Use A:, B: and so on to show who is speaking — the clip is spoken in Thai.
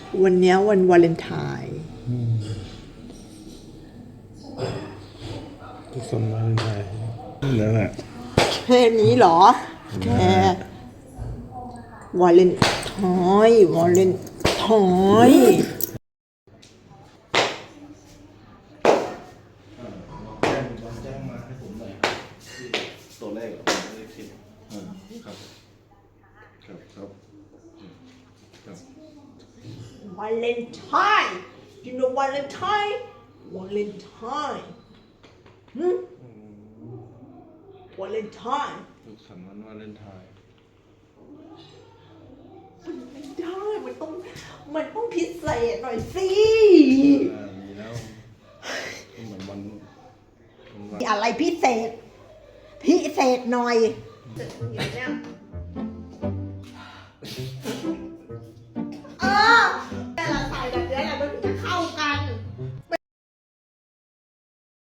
A: วันเนี้ยวันวาเลนไทน์
B: ทุกคนวาเลนไทน์นั่นแหละ
A: แค่นี้เหรอ แค่วาเลนไทน์วาเลนไทน์
B: แจ้งมาให้ผมหน่อยครับที่ตัวเลขผมไม่ได้คิดครับครับ
A: วาเลนไทน์ you know วาเลนไทน์วาเลนไทน์วาเลนไทน์
B: สุขสันต์วันวาเลนไทน์
A: ไม่ได้มันต้องพิเศษหน่อยสิ
B: มีแล้วเหมือนวัน
A: มีอะไรพิเศษ พิเศษหน่อยเสร็จคุณอยู่เนี่ย